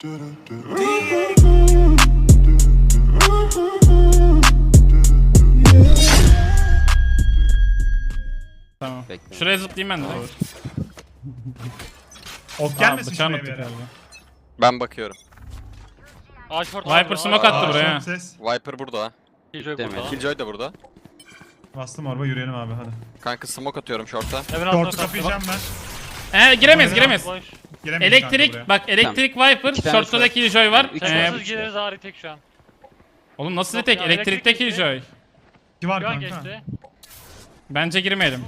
Tamam. Bekle. Şuraya zıplayayım ben de. Ok Gelmesin gelmesin bıçağını şuraya bir attık yere. galiba. Ben bakıyorum. Ağaç short Viper smoke attı Aa, buraya. short ses. Viper burada. Killjoy Deme. burada. Killjoy da burada. Bastım orba yürüyelim abi hadi. Kanka smoke atıyorum short'a. Evin Short'u altına kapayacağım ben. Giremez giremez. Boş. Giremeyiz kanka buraya. Elektrik bak elektrik Viper. İki tane Short'ta da short. Killjoy var. Üç Shortsuz gireriz ağrı tek şu an. Oğlum nasıl Yok tek? ya, Elektrikte elektrik gitti. Killjoy. İki var Şu an kanka. geçti. Bence girmeyelim.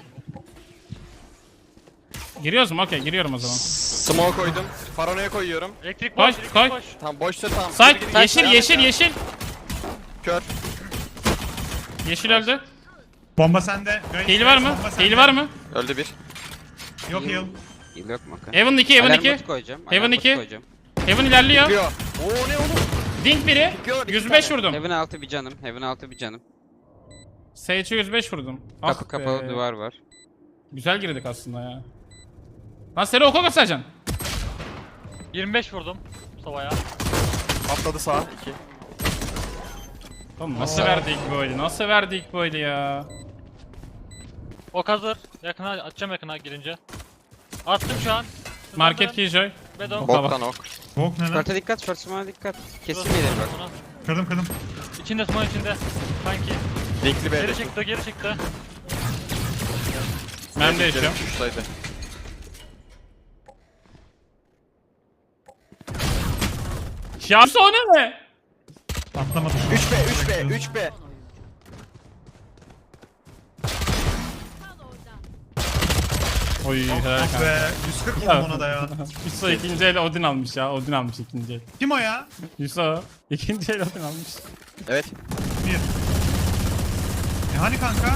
Giriyoruz mu? Okey giriyorum o zaman. Smoke koydum. Paranoya koyuyorum. Elektrik Koy, boş, elektrik koy. boş. Tamam boşta tamam. Side Gir, gir, yeşil gir. yeşil yeşil. Kör. Yeşil öldü. Bomba sende. Heal var mı? Bomba sende. Heal var mı? Öldü bir. Yok heal. Yıl yok mu? Heaven 2 Heaven Alarm 2. botu koyacağım. Heaven alarm botu 2. koyacağım. Heaven ilerliyor. Çıkıyor. Oo ne oğlum? Dink biri. Çıkıyor, iki 105 tane. vurdum. Heaven altı bir canım. Heaven altı bir canım. Sage'e 105 vurdum. Kapı Ah kapalı be. duvar var. Güzel girdik aslında ya. Lan seni oku göstereceksin. 25 vurdum. Sova'ya. Atladı sağa. 2. Oğlum nasıl verdik bu oyunu? Nasıl verdik bu oyunu ya? Ok hazır. Yakına atacağım yakına girince. Attım şu an. Market Killjoy. Bedon. Boktan ok. Bok ne lan? Short'a dikkat, short smoke'a dikkat. Kesin gelir bak. Kırdım. İçinde smoke içinde. Sanki. Linkli Geri B'de. çıktı geri çıktı. Ben değişiyorum. Şuradaydı. Ya sonra ne? Atlamadı. 3B 3B 3B. Oy helal kanka. Be 140 vurdum ona da ya. Yusuf ikinci el Odin almış ya. Odin almış ikinci el. Kim o ya? Yusuf ikinci el Odin almış. Evet. Bir. Hani kanka?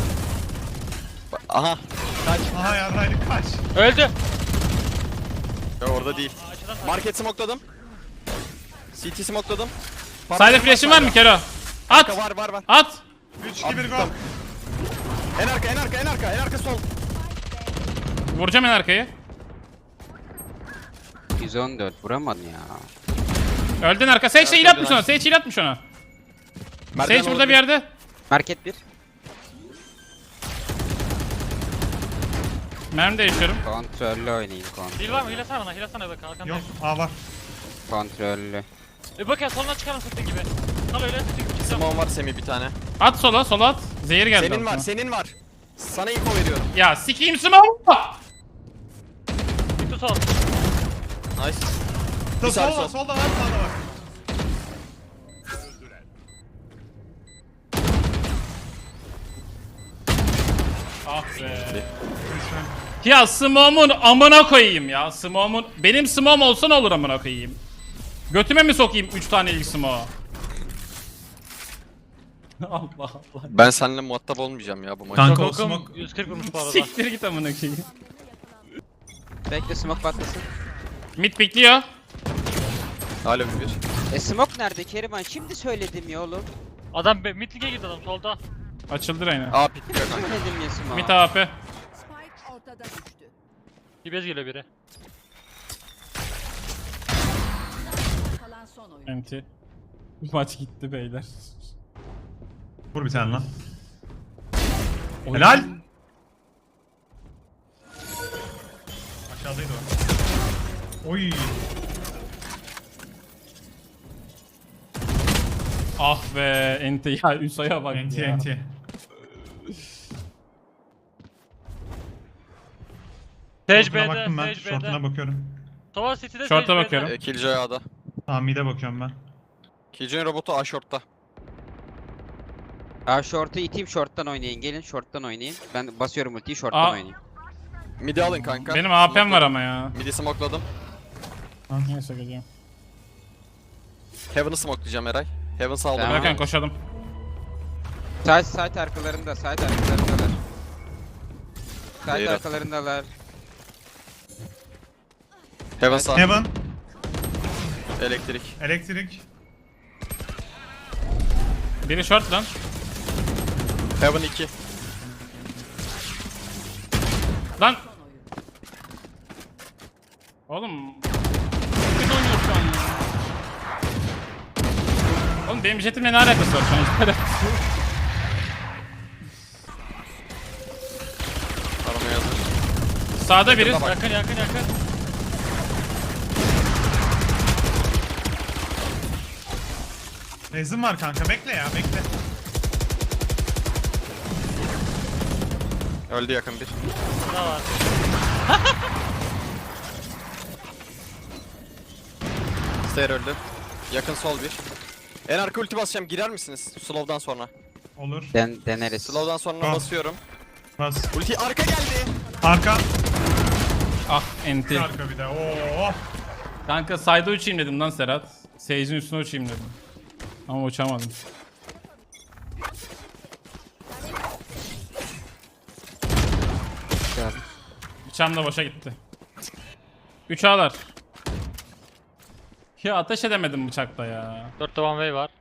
Aha. Kaç. Aha yarraydık kaç. Öldü. Ya orada değil. Açıdan Market smokeladım. CT smokeladım. Side flash'in var mı Kero? At! Var. At! 3 2 1 go. Attım. En arka sol. Vuracağım en arkayı. 114 vuramadın ya. Öldün arka. Sage de heal atmış ona. Sage heal atmış ona. Sage burada bir yerde. Market 1. Mermi değişiyorum. Kontrollü oynayın, kontrol. Heal var mı? Heal'lasana bana. Heal'lasana bak arkanda. Yok A var. Kontrollü. Bak ya soluna çıkarım sıktığın gibi. Kal öyle çıkacağım. Smoke var Semih bir tane. At sola at. Zehir geldi. Senin var, altına. senin var. Sana info veriyorum. Ya sikeyim smoke. Bitti sol. Nice. Solda sağ, solda sol. var sağda var. Ah be. Ya smoke'umun amına koyayım ya. Smoke'umun benim smoke'um olsa ne olur amına koyayım. Götüme mi sokayım 3 tane ilk smoke? Allah Allah. Ben seninle muhatap olmayacağım ya bu maçta. Kanka o Kokum smoke 140 vurmuş bu arada. Siktir git amına koyayım. Bekle smoke patlasın. Mid bekliyor. Alo bir. Smoke nerede Keriman? Şimdi söyledim ya oğlum. Adam midlig'e girdi adam solda. Açıldı Reyna. A pikliyor kanka. Söyledim ya smoke. Mid AP. Spike ortada düştü. Dibez geliyor biri. Kalan son oyun. MT. Maç gitti beyler. Vur bir tane lan. Helal. Aşağıdaydı o. Oy. Ah be ente ya Üsa'ya bak NT ya. NT. Sage Short'una B'de, baktım ben. Sage Short'una B'de. bakıyorum. Sova City'de Short'a Sage bakıyorum. B'de. Killjoy A'da. Tamam mid'e bakıyorum ben. Killjoy'un robotu A short'ta. Aa short'u iteyim, short'tan oynayın. Gelin short'tan oynayın. Ben basıyorum ultiyi, Aa. short'tan oynayın. Midi alın kanka. Benim AP'm var ama ya. Midi smokeladım. Neyse geleceğim. Heaven'ı smokelayacağım Eray. Heaven saldım. Tamam. Bakın koşalım. Side arkalarında, side arkalarındalar. Side Hayır. arkalarındalar. Heaven sağ. Heaven. Elektrik. Elektrik. Biri short lan. Heaven 2. Lan. Oğlum. Kim oynuyor şu an ya? benim jetimle ne alakası var şu an? Hiçbir alakası yok. Aramaya hazır. Sağda biri. Yakında bak. Yakın yakın yakın. Rezim var kanka, bekle ya, bekle. Öldü yakın bir. Burada var. Stair öldü. Yakın sol bir. En arka ulti basacağım. Girer misiniz? Slow'dan sonra. Olur. Deneriz. Slow'dan sonra Tamam. basıyorum. Bas. Ulti arka geldi. Arka. Ah enti. Arka bir de. Oo. Kanka side'a uçayım dedim lan Serhat. Sage'in üstüne uçayım dedim. Ama uçamadım. Güzel. Bıçağım da boşa gitti. 3 ağlar. Ya ateş edemedim bıçakla ya. 4'te one way var.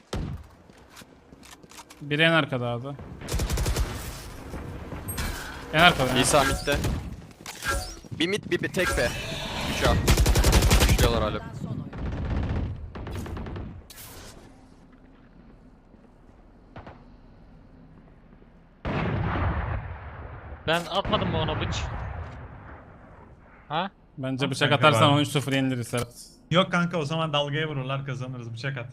Biri en arkada abi. En arkada. ya. İsa midde. Bir mid bir tek be. 3 A. Üçlüyorlar hala. Kalan son oyuncu. Ben atmadım mı ona bıç? Ha? Bence bıçak Kanka atarsan var. 13-0 yeniliriz Serhat. Yok kanka, o zaman dalgaya vururlar, kazanırız, bıçak at.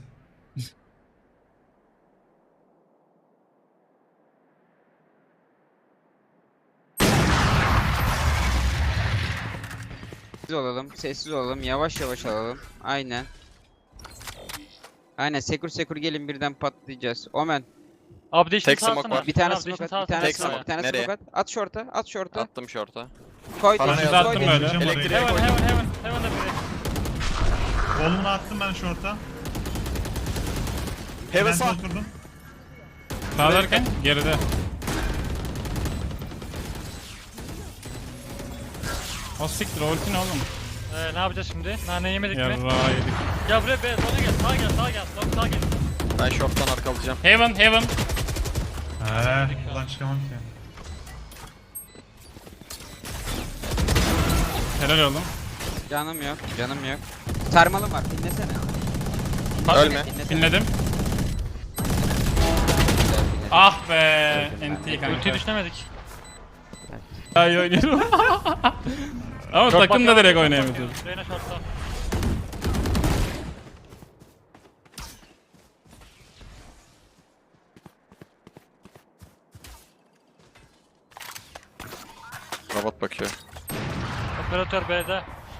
Sessiz olalım, sessiz olalım, yavaş yavaş alalım. Aynen. Aynen, sekur gelin birden patlayacağız. Omen, Update'ini Tek smoke salsana. var. bir tane Update'ini smoke at, salsana. bir tane Tek smoke, smoke. bir tane Nereye? smoke at. At short'a, at short'a. Attım short'a. Koy, Bana koy, yazdı. koy. Attım böyle. Vuracağım orayı. Elektriğe Heaven koydum. Heaven'da biri. Oğlumunu attım ben short'a. Heaven Ben sağ. oturdum. Sağlarken geride. O siktir o ulti ne oğlum? Ne yapacağız şimdi? Nane yemedik mi? Yarrağı yedik. Gel buraya be, sola gel, sağa gel, sağa gel, sağa gel. Ben short'tan arkalayacağım. Heaven heaven. Buradan çıkamam ki. Helal oğlum. Canım yok, canım yok. Sarmalım var, dinlesene. Ölme. Dinlesene. Dinledim. Ah be. NT kanka. Ultiyi düşünemedik. Daha iyi oynuyorum. Ama Short takım da bakıyor, direkt short oynayamıyor. bakıyor. Reyna short'ta. Robot bakıyor. Operatör B'de.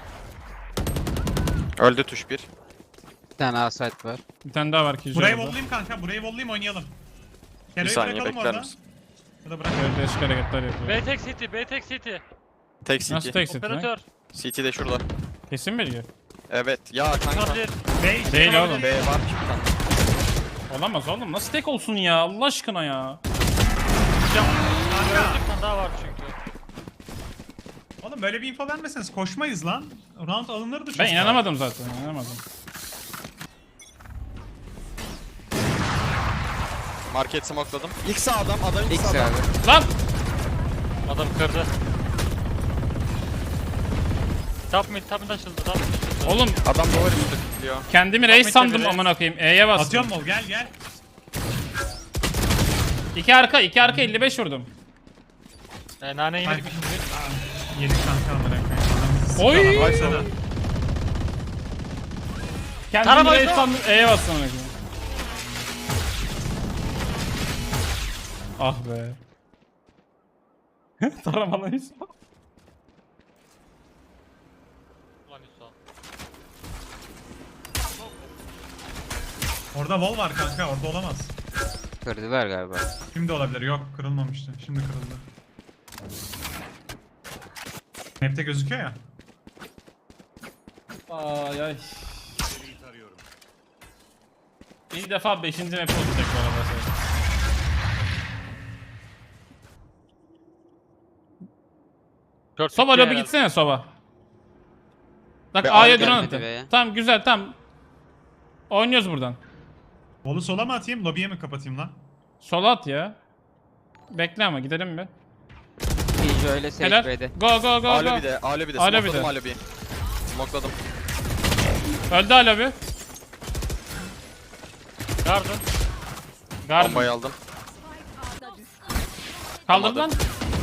Öldü tuş bir. Bir tane A site var. Bir tane daha var ki. Burayı vollayayım kanka, burayı vollayayım, oynayalım. Bir Kelo'yu saniye bırakalım bekler orada. misin? Ya da bırak. Evet değişik hareketler yapıyor. B tek city, B tek city. Tek Nasıl CT. tek set lan? Operatör. CT de şurada. Kesin bilgi. Evet. Ya kanka. Olabilir. Bey, Değil oğlum. B var bir tane. Olamaz oğlum. Nasıl tek olsun ya? Allah aşkına ya. Gördük, bir tane daha var çünkü. Oğlum böyle bir info vermeseniz koşmayız lan. Round alınırdı çünkü. Ben inanamadım zaten. İnanamadım. Market smokladım. İlk sağ adam ilk X sağ adam. abi. Lan! Adam kırdı. Top mid açıldı, top mid açıldı. Oğlum Adam doğru üstü kilitliyor. kendimi reis sandım çevire. amına koyayım. E'ye bastım. Atıyorum mol, gel gel. 2 arka 55 vurdum. Nane yemedik mi şimdi? Yedik kanka amına koyayım. Oy! Bak sana. Kendimi Taramayın reis lan. sandım. E'ye bastım amına koyayım. Ah be. Taramalıyız. Ulan Yusuf. Orada wall var kanka, orada olamaz. Kırdılar galiba. Şimdi olabilir, yok kırılmamıştı. Şimdi kırıldı. Map'te gözüküyor ya. Ay ay. İlk defa 5. map olacak bu arada. Short Soba bitti lobi herhalde. gitsene Soba. Bak Be, A'ya abi drone gelmedi atın. be. Tamam güzel tamam. Oynuyoruz buradan. Wall'u sola mı atayım, lobiye mi kapatayım lan? Sola at ya. Bekle ama gidelim mi? Pijo öyle safe Helal. B'de. Go go go go. Alo bir de. Alo bir de. Smokladım alo bir. Smokladım. Öldü hala bir. Garden. Garden. Bombayı aldım. Spike A'da düştü. Kaldırdı lan.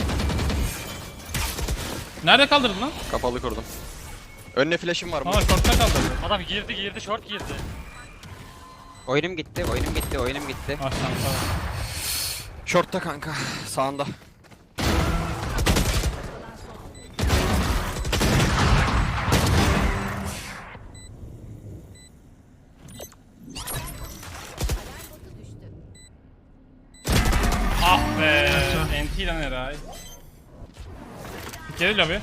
Nerede kaldırdı lan? Kapalı kurdum. Önüne flash'im var mı? Aa short'ta kaldırdı. Adam girdi short girdi. Oyunum gitti, oyunum gitti, oyunum gitti. Ah tamam. Short'ta kanka. Sağında. Botu düştü. Ah be. NT lan Eray. Bir kere lobi.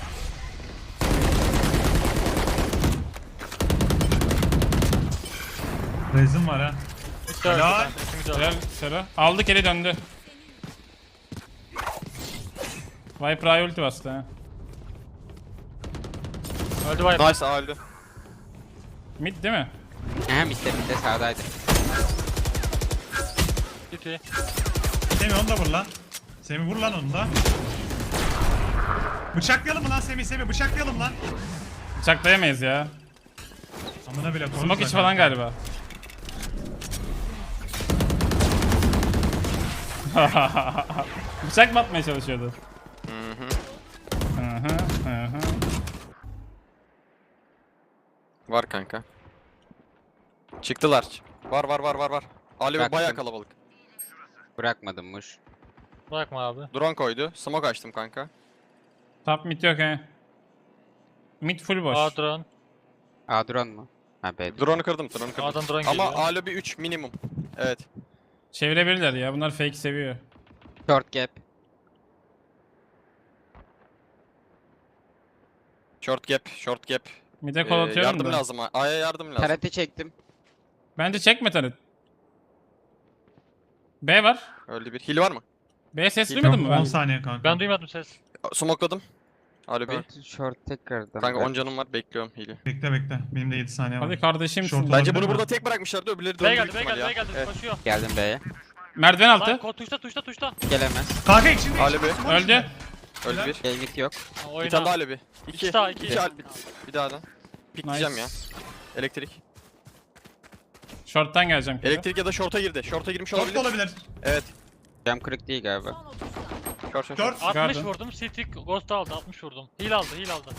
Rezim var ha. Bitti öldü Helal. kanka. İkimiz de öldü. Helal Sera. Aldı geri döndü. Viper Eye ulti bastı ha. Öldü Viper. Nice öldü. Mid değil mi? Aha mitte sağdaydı. City. Semih onu da vur lan. Semih vur lan onu da. Bıçaklayalım mı lan Semih? Bıçaklayalım lan. Bıçaklayamayız ya. Amına bile konuşma. Smoke iç falan galiba. Bıçak mı atmaya çalışıyordu? Hı hı. Hı. Var kanka. Çıktılar. Var. Ali Bıraktım. bayağı kalabalık. Bırakmadımmış. Bırakma abi. Drone koydu. Smoke açtım kanka. Top mid yok he. Mid full boş. A drone. A drone mu? Ha B. Drone'u kırdım. A'dan drone Ama geliyor. A lobby 3 minimum. Evet. Çevirebilirler ya. Bunlar fake seviyor. Short gap. Short gap. Mid'e kol atıyorum Yardım da. lazım. A'ya yardım lazım. Karate çektim. Bence çekme taret. B var. Öldü bir. Heal var mı? B ses Yok, duymadın mı 10 ben? saniye kanka. Ben duymadım ses. Smokladım. A lobby. Short tekrardan. Kanka 10 canım var. Bekliyorum heal'i. Bekle. Benim de 7 saniye var. Hadi kardeşimsin. Short Bence olabilir bunu mi? burada tek bırakmışlardı. Öbürleri döndü B büyük geldi, B ihtimal geldi, ya. B geldi. Evet. Koşuyor. Geldim B'ye. Merdiven altı. Lan tuşta. Gelemez. Kanka içinde. A lobby. Öldü. Öldü bir. Gel git yok. Ha, Bir oyna. tane daha lobby. 2. İki daha, iki. Bir daha da. Pikleyeceğim Nice. ya. Elektrik. Short'tan geleceğim. kere. Elektrik ya da short'a girdi. Short'a girmiş Short olabilir. da olabilir. Evet. Cam kırık değil galiba. Son 30 saniye. Short. 4. 60 Garden. vurdum. City Ghost aldı. 60 vurdum. Heal aldı.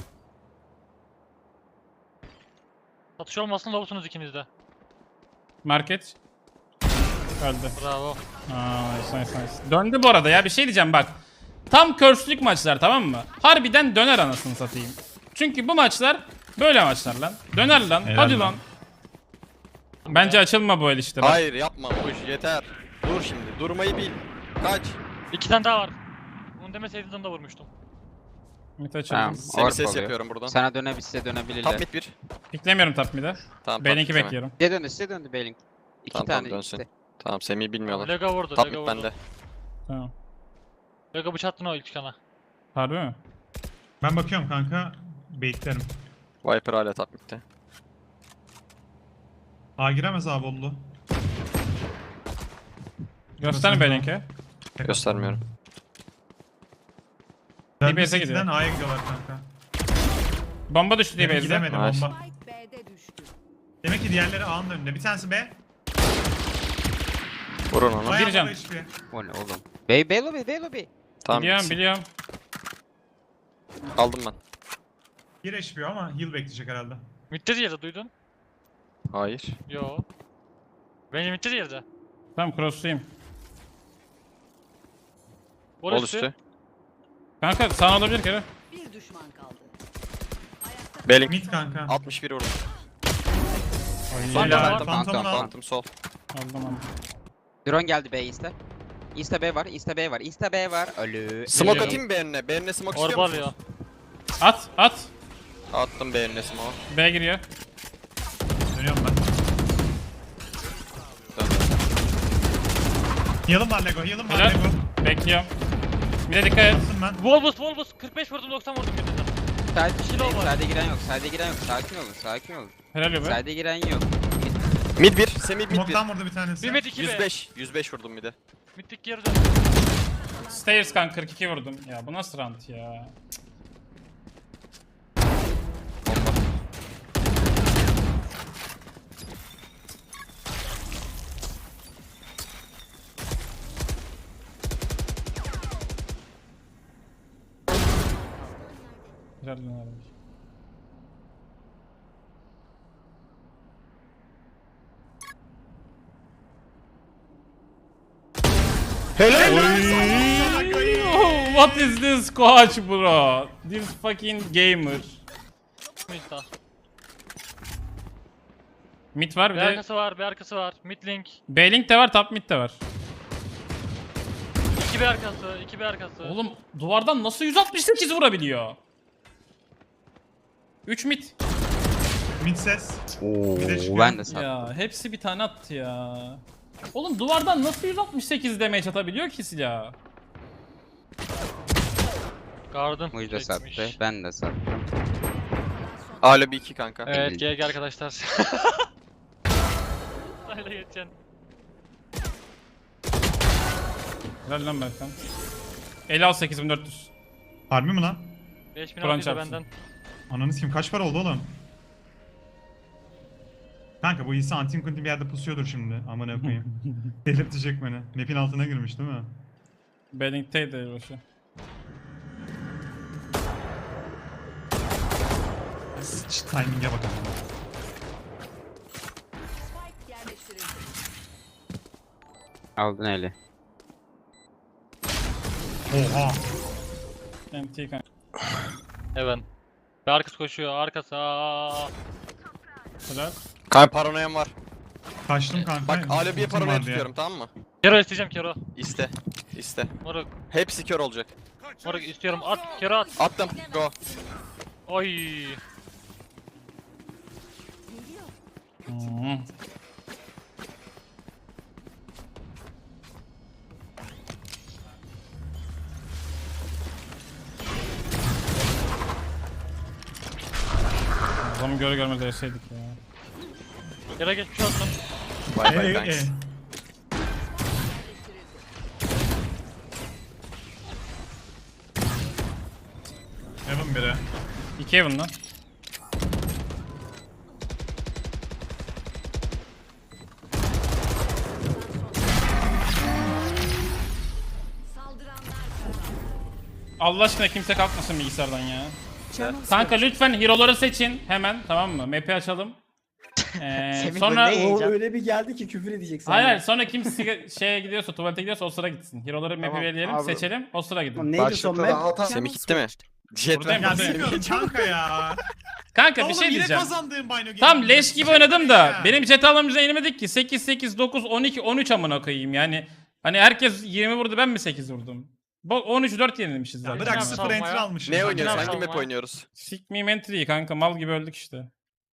Satış olmasın lobusunuz ikiniz de. Market. Öldü. Bravo. Aa, nice. Döndü bu arada ya. Bir şey diyeceğim bak. Tam curse'lük maçlar, tamam mı? Harbiden döner anasını satayım. Çünkü bu maçlar böyle maçlar lan. Döner lan. Helal Hadi lan. lan. Bence açılma bu el işte. Bak. Hayır yapma. Uş yeter. Dur şimdi. Durmayı bil. Kaç. 2 tane daha var. Bunu demeseydiniz onu da vurmuştum. Mid açıldı. Tamam. Seni Orp ses oluyor. yapıyorum buradan. Sana size Top dönebilirler. mid 1. Piklemiyorum top mid'e. Tamam. B2 top mid bekliyorum. Size döndü Bailing. 2 Tamam, tane dönsün. işte. Tamam Semih'i bilmiyorlar. Lega vurdu. Top Lega mid vurdu. bende. Tamam. Lega bıçattın o ilk çıkana. Harbi mi? Ben bakıyorum kanka. Baitlerim. Viper hala top mid'de. A giremez abi oldu. Göster Göster. B2. Göstermiyorum. DBS'e gidiyor. City'den A'ya gidiyorlar kanka. Bomba düştü diye Demek bezde. gidemedim Nice. bomba. Spike B'de düştü. Demek ki diğerleri A'nın önünde. Bir tanesi B. Vurun onu. Bayağı can. baba HP. O ne oğlum? B lobby. Tamam. Biliyorum gitsin. biliyorum. Aldım ben. 1 HP ama heal bekleyecek herhalde. Mitte yerde duydun? Hayır. Yo. Benim mitte yerde. Tamam cross'luyum. Ol üstü. Kanka sağ olabilir kere. Bir düşman kaldı. Ayakta Belling. Mid kanka. 61 vurdum. Phantom Helal. var. Phantom'unu al. Phantom sol. Aldım. Drone geldi B East'e. East'e B var. East'e B var. Ölü. Smoke Geliyor. atayım mı B önüne? B önüne smoke istiyor Orba musunuz? alıyor. At. Attım B önüne smoke. B giriyor. Dönüyorum ben. Döndü. Heal'ım var Lego. Heal'ım var Helal. Lego. Bekliyorum. Bir de dikkat et. Nasılsın ben? Volbus 45 vurdum 90 vurdum bir de. Side giren yok. Sakin olun. Helal be. Side'e giren yok. Mid 1. Semih mid 1. Smoke'tan vurdu bir tanesi. 1 met 2 B. 105 vurdum mid'e. Mittik geri dön. Stairs kan 42 vurdum. Ya bu nasıl rant ya? Bomba. Helal lan abi. Oh, what is this coach bro? This fucking gamer. Mid daha. Mid var bir Bir de arkası var, bir arkası var. Mid link. B-Link de var, top mid de var. 2 bir arkası, 2 bir arkası. Oğlum duvardan nasıl 168 vurabiliyor? 3 mid. Mid ses. Oo, Bir de çıkıyor. ben de sattım. Ya hepsi bir tane attı ya. Oğlum duvardan nasıl 168 damage atabiliyor ki silah? Garden. Muj da sattı. çekmiş. Ben de sattım. Alo bir 2 kanka. Evet, GG arkadaşlar. Öyle geçeceksin. Helal lan Berkan. El al 8400. Harbi mi lan? 5600 da çarpsın. benden. Ananı kim kaç para oldu oğlum? Kanka bu iyisi antin kuntin bir yerde pusuyordur şimdi. Amına koyayım. Delirtecek beni. Map'in altına girmiş değil mi? B-Link'teydi başı. Sıç timing'e bakalım. Spike yerleştirildi. Aldın eli. Oha. MT kanka. Heaven. Bir arkası koşuyor, arkası. Aa. Helal. Kanka paranoyam var. Kaçtım kanka. Bak alo bir Ultim paranoya vardı ya. tutuyorum tamam mı? Kero isteyeceğim Kero. İste. İste. Moruk, Hepsi kör olacak. moruk istiyorum. At, Kero at. Attım. Go. Oy. Hmm. Adamı göre görmez yaşaydık ya. Kero geçmiş olsun. Bye bye thanks. Evan biri. 2 Heaven lan. Saldıranlar kazandı. Allah aşkına kimse kalkmasın bilgisayardan ya. Kanka lütfen hero'ları seçin hemen, tamam mı? Map'i açalım. Sonra O öyle bir geldi ki küfür edecek sana. hayır hayır, sonra kim şeye gidiyorsa, tuvalete gidiyorsa o sıra gitsin. Hero'ları map'i Tamam, belirleyelim, abi. seçelim, o sıra gidin. Neydi son Başlıkta map? da hata. Semih gitti mi? Jet Buradayım, Ya buradayım. bilmiyorum kanka ya. Kanka bir Oğlum şey yine diyeceğim. kazandığım Bino Game'i. Tam leş gibi oynadım da Ya. benim jet almamıza inemedik ki. 8 8 9 12 13 amına koyayım yani. Hani herkes 20 vurdu, ben mi 8 vurdum? 13 4 yenilmişiz Ya zaten. bırak Ne 0 yapalım enter ya? almışım. Ne ben. oynuyoruz? Ne Hangi yapalım map ya? oynuyoruz? Sick me mentry'yi kanka, mal gibi öldük işte.